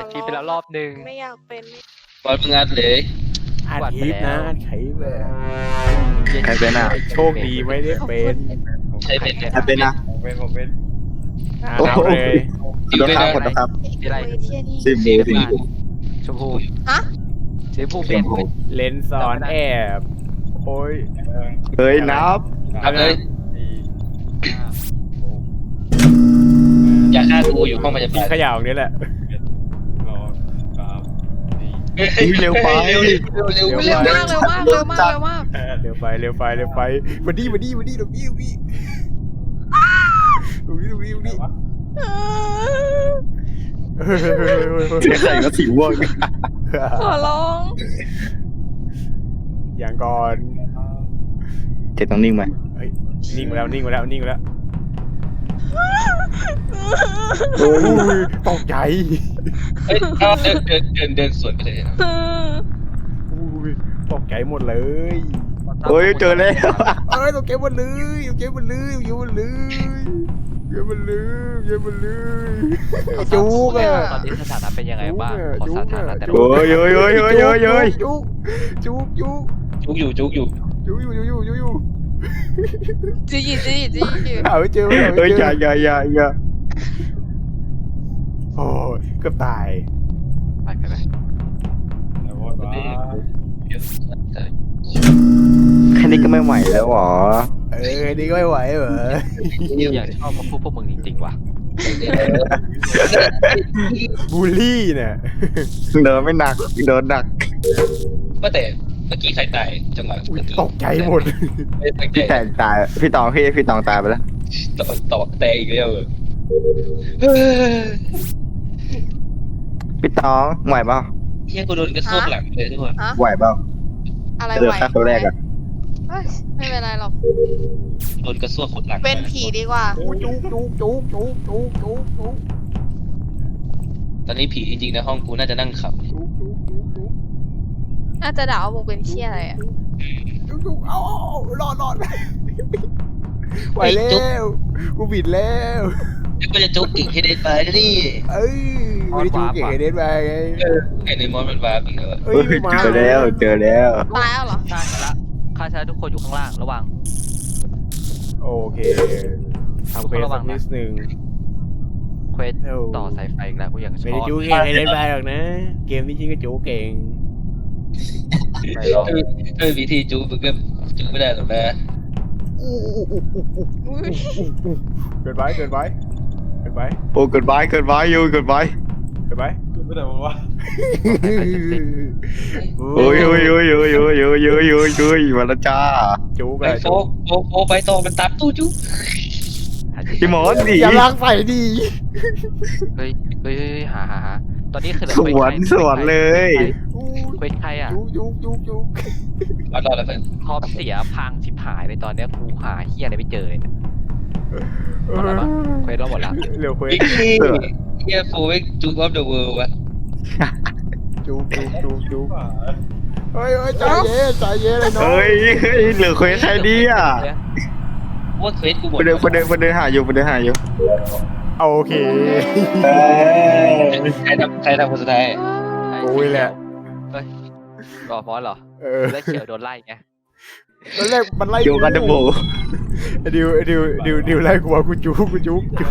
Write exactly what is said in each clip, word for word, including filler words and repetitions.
ดคลิปไปแล้วรอบนึงไม่อยากเป็นบอลมึงอัดเลยอัดคลิปนะอัดคลิปเลยใครเป็นอ่ะโชคดีไม่ได้เป็นใช่เป็นใครเป็นอ่ะผมเป็นผมเป็นอ่านเอาเลยโดนข้ามหมดนะครับที่ไรเว้ยเที่ยนี่สิบสีมือน้ำสี่ตาลชมพูฮะสีชมพูเปลี่ยนเลนส์สอนแอบโอ้ยเฮ้ยนับอัดเลยสี่ห้าหกอย่าฆ่ากูอยู่ห้องพยากิบาน ลขยะอย่างนี้แหละสองสามสี่อุ๊ยเร็วไปเร็วเร็วเร็วเร็วเร็วมากเร็วมากเร็วมากเร็วมากเร็วไปเร็วไปเร็วไปมาดีมาดีมาดีตรงนี้ตรงนี้ตรงนี้ตรงนี้ตรงนี้ใครก็สีม่วงขอร้องอย่างก่อนเจ็ดต้องนิ่งไหมเฮ้ยนิ่งมาแล้วนิ่งมาแล้วนิ่งมาแล้วโอ้ยอุ้ยตกใจเฮ้ยเอาเดินเดินเดินเดินสวนไปเลยนะอุ้ยตกใจหมดเลยโอ้ยเจอแล้วเอ้ยตกใจหมดเลยตกใจหมดเลยตกใจหมดเลยเยอะมันเลยเยอะมันเลยจุกอะตอนนี้สถานะเป็นยังไงบ้างขอสถานะแต่ละโอ้ยโอ้ยโอ้ยโอ้ยโอ้ยโอ้ยจุกจุกจุกจุกอยู่จุกอยู่จุกอยู่อยู่อยู่อยู่จีจีจีจีจีหาไม่เจอหาเฮ้ไม่ยเจอย่าออย่าอย่าอย่าโอ้ยเกือบตายไปไปไปแล้วว่าแค่นี้ก็ไม่ไหวแล้วหรอเออนี่ก็ไม่ไหวเหรออยากชอบมาพูดพวกมึงจริงๆว่ะบูลลี่เนี่ยเดินไม่หนักเดินหนักก็แต่เมื่อกี้ใครตายจังหวะอุ๊ยตกใจหมดไม่ตั้งใจพี่แตงตายพี่ตองพี่พี่ตองตายไปแล้วตอกตอกแตกอีกแล้วเออพี่ตองไหวเปล่าเฮียกูโดนกระซวกหลังเลยทุกคนฮะไหวเปล่าอะไรเดินไหวฆ่าคนแรกอ่ะเฮ้ยไม่เป็นไรหรอกโดนกระซวกขดหลังเป็นผีดีกว่าโอ้ยจุกจุกจุกจุกจุกจุกจุกตอนนี้ผีจริงๆในห้องกูน่าจะนั่งขับจุกจุกจุกจุกน่าจะด่าว่ามึงเป็นเชี่ยอะไรอ่ะจุกจุกเอาเอาเอารอดรอดไหวแล้วกูบิดแล้วแล้วก็จะจุกอีกให้ได้ไปนะนี่เอ้ยไม่ได้จุกเก่งไอเดนไปไงไอ้ในมอนมันวาร์ปอีกแล้วอะเอ้ยเฮ้ยมาเจอแล้วเจอแล้วตายแล้วเหรอฆ่าชนะฆ่าชนะทุกคนอยู่ข้างล่างระวังโอเคทำเควสสักนิดนึงเควสต่อสายไฟอีกแล้วกูอยากชไม่อได้บจุกเก่งไอเดนไปหรอกนะ เกมนี้จริงก็จุกเก่งไม่หรอกเออวิธีจุกมึงก็จุกไม่ได้หรอกนะอุ้ยเกินไปเกินไปเกินไปโอ้เกินไปเกินไปอยู่เกินไปเกินไปไม่ได้บอกว่าโอ้ยโอ้ยโอ้ยโอ้ยโอ้ยโอ้ยโอ้ยโอ้ยโอ้ยมาแล้วจ้าจุกไปอะโฟกโฟกโฟกไปต่อมันตามตู้จุกพี่หมอนดิอย่าล้างใส่ดีเฮ้ยเฮ้ยเฮ้ยหาหาหาตอนนี้คือเหลือสเควสวนใครสวนเลยเควสใครอ่ะจุกจุกจุกจุกรอดรอดแล้วเพื่อนคอมเสียพังชิบหายเลยตอนเนี้ยกูหาเฮียอะไรไม่เจอเลยเนี่ยหมดแล้วปะเควสเราหมดแล้วเร็วเควสบิ๊กซี่เฮียโฟกจุกออฟเดอะเวิลด์วะจุกจุกจุกจุกเฮ้ยเฮ้ยใจเย็นใจเย็นเลยน้องเฮ้ยเฮ้ยเหลือเควสใครดีอ่ะว่าเควสกูหมดคนเดินคนเดินคนเดินหาอยู่คนเดินหาอยู่โอเคใครทำใครทำคนสุดท้ายโอ้ยแหละเฮ้ยรอฟอสเหรอเออแล้วเขียวโดนไล่ไงตอนแรกมันไล่อยู่กันเดอะโบไอ้ดิวไอ้ดิวดิวดิวไล่กูว่ากูจุกกูจุกจุก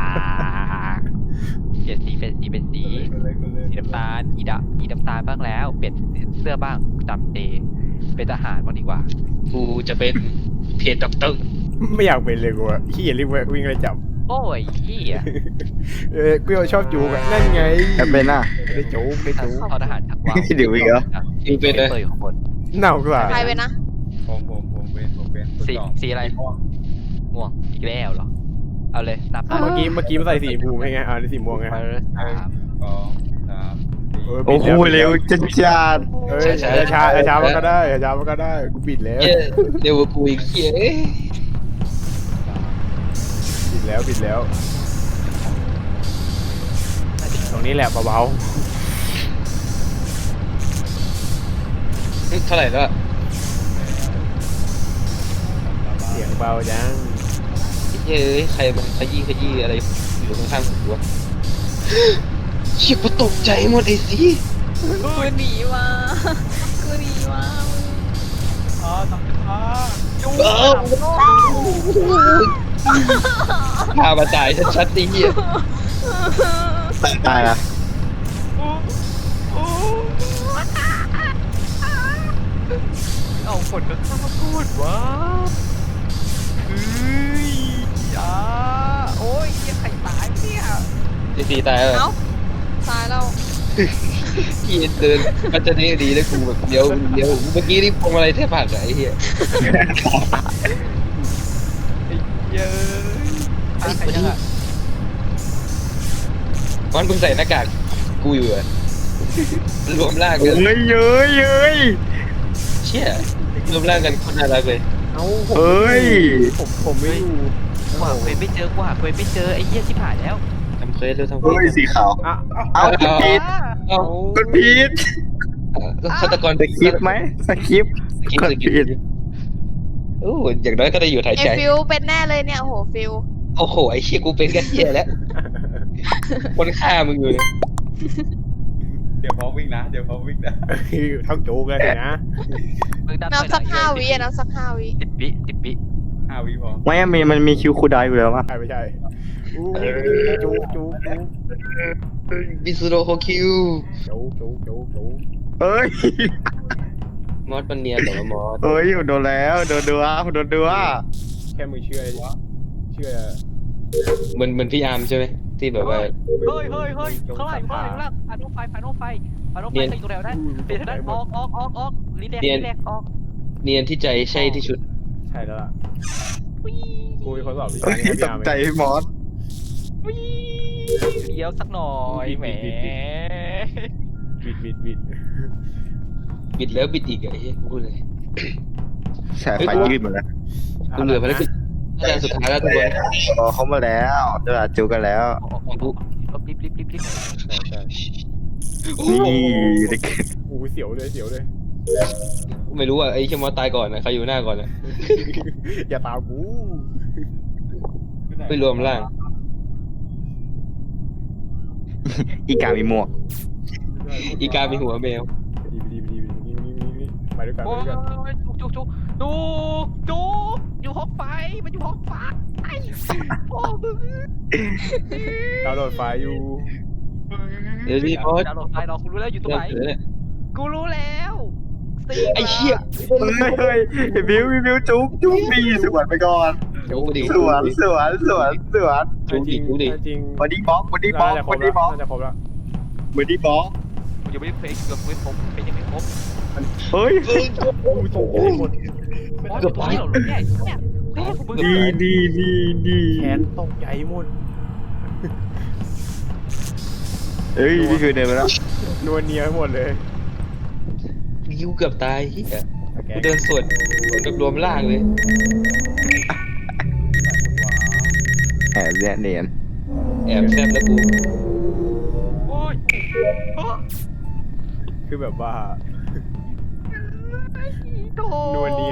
เปลี่ยนสีเป็นสีเป็นสีสีน้ำตาลอีดะอีน้ำตาลบ้างแล้วเปลี่ยนเสื้อบ้างจำเจเป็นทหารบ้างดีกว่ากูจะเป็นเพจด็อกเตอร์ไม่อยากเป็นเลยกูอะขี้รีบวิ่งเลยจับโอ้ยเฮียเออกูชอบจุกอะนั่นไงแอบเป็นอ่ะได้จุกได้จุกทอทหารชักว่าวเดี๋ยวอีกเหรอกูเป็นเลยเปิดของคนเน่ากว่าใครเป็นนะผมผมผมเป็นผมเป็นสีสีอะไรม่วงอีกแล้วเหรอเอาเลยนับนะเมื่อกี้เมื่อกี้มันใส่สีบูมให้ไงอ่านี่สีม่วงไงไปเลยสามสองสามสี่โอ้โหเร็วจัดจัดเอ้ยช้าช้าช้ามันก็ได้ช้ามันก็ได้กูปิดแล้วเหี้ยเร็วกว่ากูอีกเฮียปิดแล้วปิดแล้ว ตรงนี้แหละเบาเท่าไหร่แล้วๆเสียงเบาจังเฮ้ยใครมันขยี้ขยี้อะไรอยู่ข้างๆกูวะเชี่ยกูตกใจหมดไอ้สิกูหนีมากูหนีมาอ๋อทำอ๋อเออพามาตายชัดๆไอ้เหี้ยตายละเอาคนก็ข้ามาพูดว่าเฮ้ยอ่าโอ้ยยังไข่ตายเนี่ยไอ้สีตายแล้วเอ้าตายแล้วพี่เดินมันจะได้ดีแล้วกูแบบเดี๋ยวเดี๋ยวเมื่อกี้นี่พวงอะไรแทบหักอะไอ้เหี้ยไอ้เย้ยตายใครยังอ่ะมันมึงใส่หน้ากากกูอยู่อะรวมร่างเฮ้กันยเย้ยเย้ยเชี่ยรวมร่างกันคนน่ารักเลยเอ้าผมเฮ้ยผมผมไม่อยู่กูหาเควสไม่เจอกูหาเควสไม่เจอไอ้เหี้ยชิบหายแล้วทำเควสเร็วทำเควเฮ้ยสสีขาวอ่ะเอากดผิดเอ้ากดผิดฆาตกรสคริปต์ไหมสคริปต์สกิปกดสกิผิปดโอ้อย่างน้อยก็ได้อยู่ถ่ายไอใจฟิวเป็นแน่เลยเนี่ยโอ้โหฟิวโอ้โหไอ้เชี่ยกูเป็นกันเชี่ยแล้วคนฆ่ามึงอยู่เลยเดี๋ยวพร้อมวิ่งนะเดี๋ยวพร้อมวิ่งนะทั้งโจกเลยนะมึงดันนับสักห้าวิอะนับสักห้าวิสิบวิสิบวิห้าวิพร้อมไม่มีมันมีคิวคูลดาวน์อยู่แล้วป่ะใช่ไม่ใช่อู้จูจูจูบิสโรโฮคิวจูจูจูจูเอ้ยมอสมันเนียนแต่ว่ามอสเอ้ยโดนแล้วโดนดูว่าโดนดูว่าแค่มึงเชื่อเชื่อเหมือนเหมือนพี่อาร์มใช่ไหมที่แบบว่าเฮ้ยเฮ้ยเฮ้ยข้างล่างข้างล่างข้างล่างผ่านรถไฟผ่านรถไฟผ่านรถไฟใส่อยู่แล้วได้เปลี่ยนทางด้านออกออกออกออกรีแลกรีแลกออกเนียนที่ใจใช่ที่ชุดใช่แล้วล่ะกูมีคนสอบวิเฮ้ชาย นี้ตกใจมอสเลี้ยวสักหน่อยแหมบิดบิดบิดบิดแล้วบิดอีกอะไอ้เหี้ยพูดเลยแฉไฟยืดหมดแล้วกูเหลือภารกิจอาจารย์สุดท้ายแล้วทุกคนรอเขามาแล้วเวลาจูกันแล้วออกออกออกรีบรีบรีบรีบใช่ใช่นี่เด็กกูเสียวเลยเสียวเลยไม่รู้อ่ะไอ้เชี่ยมอสตายก่อนนะใครอยู่หน้าก่อนนะอย่าตามกูไม่รวมร่างอีกามีหมวกอีกามีหัวแมวดีดีดีดีนี่นี่นี่นี่ไปด้วยกันไปโอ้ด้วยกันยจุกจุกจุกจุกจุกอยู่ห้องไฟมันอยู่ห้องไฟไอ้โอ้มึงดาวน์โหลดไฟล์อยู่เดี๋ยวนี้มอสดาวน์โหลดไฟล์เรากูรู้แล้วอยู่ตรงเริ่ไหมนเสือเนี่ยกูรู้แล้วสตีฟไอ้เชี่ยเฮ้ยเฮ้ยไอ้บิวบิวจุ๊บจุ๊บดีสวนไปก่อนโอ้โหดิสวนสวนสวนสวนจูดิจูดิจริงบอดี้บล็อกบอดี้บล็อกน่าจะคบรอบ ดี้แล้วบล็อกน่าจะครบแล้วบอดี้บล็อกกูยังไม่ได้เฟซเกือบเฟซผมเป็นยังไม่ครบเฮ้ยกูส่งไปหมดเกือบไปหรอเนี่ยเนี่ยแม่กูมึงดีดีดีดีแขนตกใจหมดเฮ้ยพี่คือเดินไปแล้วนวลเนียหมดเลยยิวเกือบตายเฮียกูเดินสวนสวนกับรวมร่างเลยแอบเนี่ยเนียนแอบแซบแล้วกูโอ้ยคือแบบว่าโธนวลเนีย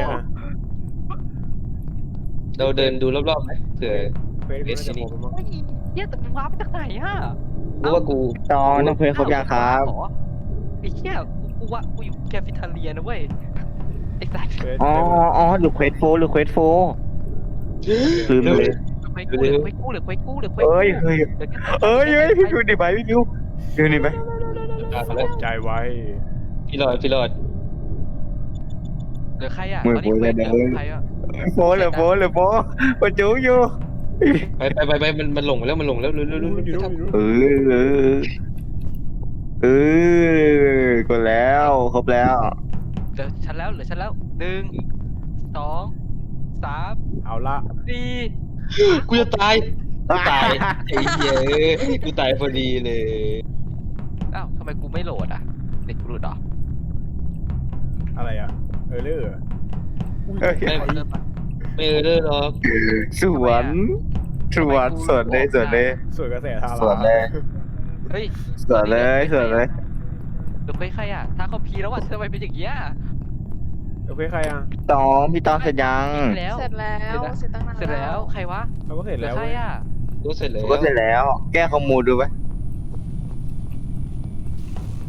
เราเดินดูรอบๆไหมเผื่อเฟซกูน่าจะครบแล้วมั้งเนี่ยแต่มึงว้ามาจากไหนฮะรู้ว่ากูจองน้องเพลงครบยังครับไอ้เหี้ยกูว่ากูอยู่แคฟิทาเลียนะเว้ยไอ้สัสเฟซอ๋ออ๋อหรือเควสโฟหรือเควสโฟลืมเลยไปกู้เหลือไปกู้เหลือไปกู้เหลือไปเอ้ยเฮ้ยเอ้ยเฮ้ยพี่ดูดิไปพี่ดูดูนี่ไปตามมาตแล้วกใจไว้พี่รอดพี่รอดเหลือใครอ่ะตอนนี้เหลือใครอ่ะโฟหรือโฟหรือโฟปะจูอยู่ไปไปไปไปมันมันหลงแล้วมันหลงแล้วเร็วเร็วเร็วอยู่เร็วนู้นอยู่นู้นเออเออเออกดแล้วครบแล้วเหลือฉันแล้วเหลือฉันแล้วหนึ่งสองสามเอาละสี่กูจะตายกูตายไอ้เหี้ยกูตายพอดีเลยอ้าวทำไมกูไม่โหลดอ่ะเด็กกูหลุดเหรออะไรอ่ะเออเลอร์เอ้ยไม่ไม่เออเด้อหรอกสวนสวนสวนเลยสวนเลยสวยกระแสทาราสวนเลยเฮ้ยสวนเลยสวนเลยเหลือใครใครอ่ะถ้าเขาพีแล้วอ่ะทำไมเป็นอย่างเงี้ยโอเคใครอ่ะตองพี่ตองเสร็จยังเสร็จแล้วเสร็จแล้วเสร็จตั้งนานเสร็จแล้วใครวะเราก็เสร็จเหลืแล้อวใครอ่ะรู้เสร็จแล้วก็เสร็จแล้ว แก้ข้อมูลดูไหม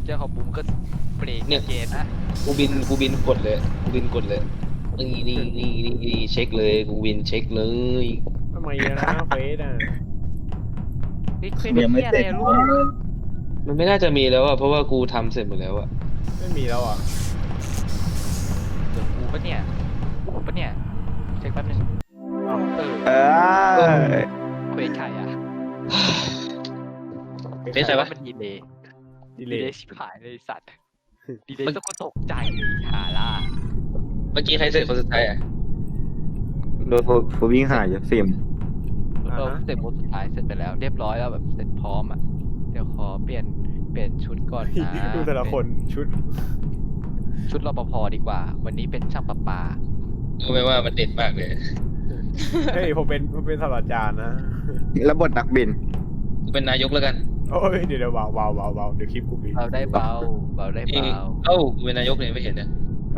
เจ้าของบุ้มก็เบรกเนี่ยเกตนะกูบินกูบินกดเลยกูบินกดเลยนี่นี่นี่นี่นี่เช็คเลยกูบินเช็คเลยทำไมอะนะเฟสอ่ะนี่เคยเป็นที่อะไรอะลูกมันไม่น่าจะมีแล้วอะเพราะว่ากูทำเสร็จหมดแล้วอะไม่มีแล้วอ่ะเดี๋ยวกูปะเนี่ยกูปะเนี่ยเช็คแป๊บนึงเออเออเควสใครอะเป็นใครวะมันดีเลยดีดีเลเลย ยชิบหายเลยสัตว์ดีเลยต้องก็ตกใจเลยหาล่าเมื่อกี้ใครเสร็จคนสุดท้ายอะโดนผมวิ่งหายอยู่ซิมเราเสร็จโหมดสุดท้ายเสร็จไปแล้ว เรียบร้อยแล้วแบบเสร็จพร้อมอ่ะเดี๋ยวขอเปลี่ยนเปลี่ยนชุดก่อนนะดูแต่ละคนชุดชุดรปภดีกว่า วันนี้เป็นช่างประปารู้ไหมว่ามันเด็ดมากเลยเฮ้ยผมเป็นผมเป็นศาสตราจารย์นะแล้วบทนักบินกูเป็นนายกแล้วกันโอ้ยเดี๋ยวเดี๋ยวเบาเบาเบาเบาเดี๋ยวคลิปกูมีเบาได้เบาเบาได้เอ้ยเบาเอ้ากูเป็นนายกเนี่ยไม่เห็นนะ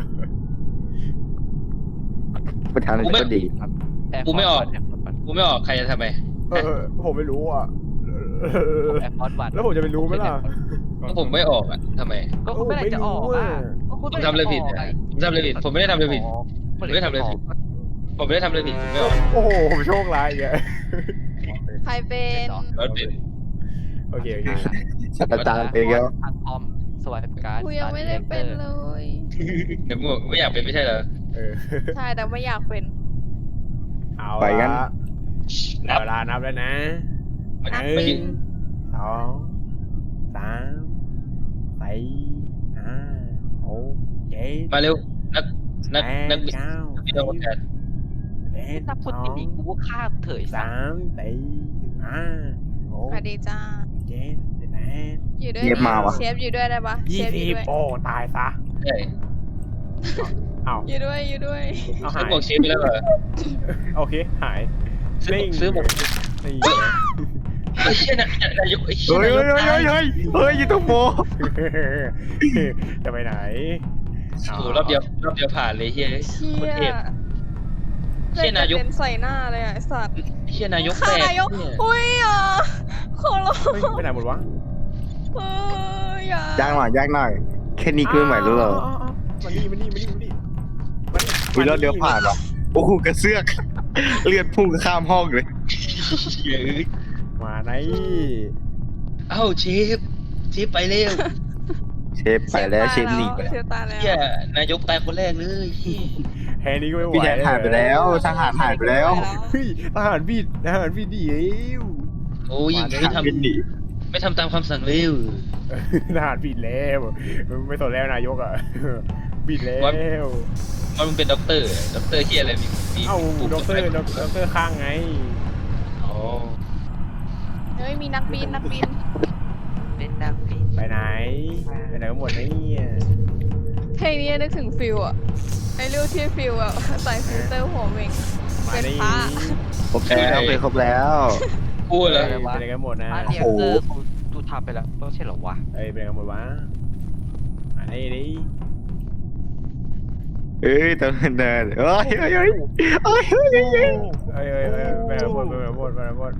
ประธานาธิบดีแอร์กูไม่ออกแอร์พอร์ตวันกูไม่ออกใครจะทำไมเออผมไม่รู้อ่ะแอร์พอร์ตวันแล้วผมจะไปรู้ไหมล่ะก็ผมไม่ออกอะทำไมก็คุณไม่ได้จะออกอ่ะก็ผคุณมไม่ทำอะไรด้ผิดจะอะกผมทำอะไรผิดผมไม่ได้ทำอะไรผิดผมไม่ได้ทำอะไรผิด ผมไม่ได้ทำอะไรผิดผมไม่ออกโอ้โหผมโชคร้ายอีกอ่ะใครเป็นรถติดโอเคโอเคศาสตราจารย์เองแล้วทางคอมสวัสดิการกูยังไม่ได้เป็นเลยเดี๋ยวมึงบอกไม่อยากเป็นไม่ใช่เหรอเออใช่แต่ไม่อยากเป็นเอาไปงั้นละนับเวลานับแล้วนะมันหไม่นึ่ยิงงสองสามสี่ห้าหกเจ็ดมาเร็วนักนักแปนัดกบินเก้าบินอวกาศสิบเอ็ดถ้าพูดสอที่งนี่กูก็ฆ่าเถยสามสี่ห้าหกสวัสดีจ้าเจ็ดสิบแปดอยู่ด้วยเงียบมาวะเชฟอยู่ด้วยได้ปะเชยี่ฟอสิยู่บด้วยโอ้ตายซะใช่เอาอยู่ด้วยอยู่ด้วยเอาซื้หาอย หมวกเชฟไปแล้วเหรอโอเคหายซื้อหมวกนิ่งซื้อหมวกนี่ไอ้เชี่ยนะนายกไอ้เชี่ยเฮ้ยนายกเฮ้ยเฮ้ยเฮ้ยเฮ้ยยูทูบโมจะไปไหนโอ้โหรอบเดียวรอบเดียวผ่านเลยเฮียเชี่โคตรเทยพ เชี่ยนายกเป็นใส่หน้าเลยอ่ะไอ้สัตว์เชี่ยนายกฆ่าแตกนายกเนี่ยอุ้ยอ่ะขอร้องเฮ้ยไปไหนหมดวะเฮ้ยอย่าย่างหน่อยย่างหน่อยแค่นี้คือไม่รู้เหรอมานี่มานี่มานี่มานี่มานี่วิรถเดียวผ่านวะโอ้โหกระเสือกเลือดพุ่งข้ามห้องเลยเชี่ยเอ้ยมาไหนเอ้าเชฟเชฟไปเร็วเชฟไปแล้วเชฟหนีไปเชฟตายแล้วเชี่ยนายกตายคนแรกเลยเหี้ยแค่นี้ก็ไม่ไหวพี่แทนหายไปแล้วทหารหายไปแล้วเฮ้ยทหารบิดทหารบิดดีเอ้วโอ้ยมาเลยไม่ทบินหนีำไม่ทำตามคำสั่งเร็วทหารบิดแล้วไม่สนแล้วนายกอ่ะบิดแล้วว่ามึงเป็นด็อกเตอร์ด็อกเตอร์เฮียอะไรมีมีเอ้าปุ่มด็อกเตอร์ด็อกด็อกเตอร์ข้างไงอ๋อเฮ้ยมีนักบินนักบินเล่นนักบินไปไหนไปไหนกันหมดเนี่ยเพลงนี้นึกถึงฟิลอ่ะไอ้เรื่องที่ฟิลอ่ะใส่ฟิลเตอร์หัวเวงมาเป็นนี่พระครบแล้วเคยครบแล้วพูดไปเลยไหนกันหมดนะอ่ะเดียโอ้วโหเตอร์กูกูทำไปแล้วไม่ใช่เหรอวะเอ้ยไปไหนกันหมดวะมานี่ดิเอ้ยตอนนั้นเดินเฮ้ยเฮ้ยเฮ้ยเฮ้ยเฮ้ยเฮ้ยเฮ้ยเอ้ยเอ้ยเอ้ยไปไหนกันหมดไปไหนกันหมดไปไหนกันหมด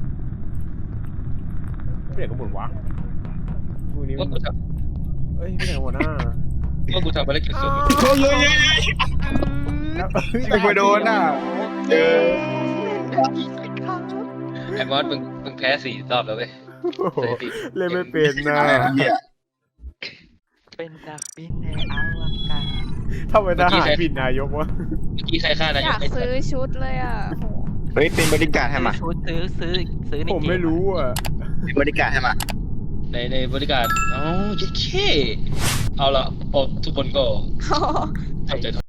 ไปไหนกันหมดวะพวกนี้มัว่าน กูทเอ้ยไปไหนกันหมดนะำว่ากูทำภารกิจสุดเฮ้ยเฮ้ยเฮ้ยไอ้ไปโดนอ่ะเจอไอ้มอสมึงมึงแพ้สี่รอบแล้วเว้ยโอ้โหเล่นไม่เป็นนะเนี่ยเป็นนักบินในอวกาศทำไมทหารบิดนายกวะเมื่อกี้ใครฆ่านายอยากไอ้สัซื้ตอว์ชุดเลยอ่ะโหเฮ้ยเป็นบริการให้มาซื้อชุดซื้อซื้อซื้อในผมเกไม่รู้อ่ะเป็นบริการให้มาในในบริการอ๋อเจ๊เช่เอาละออกทุกคนก็อ๋อทำใจ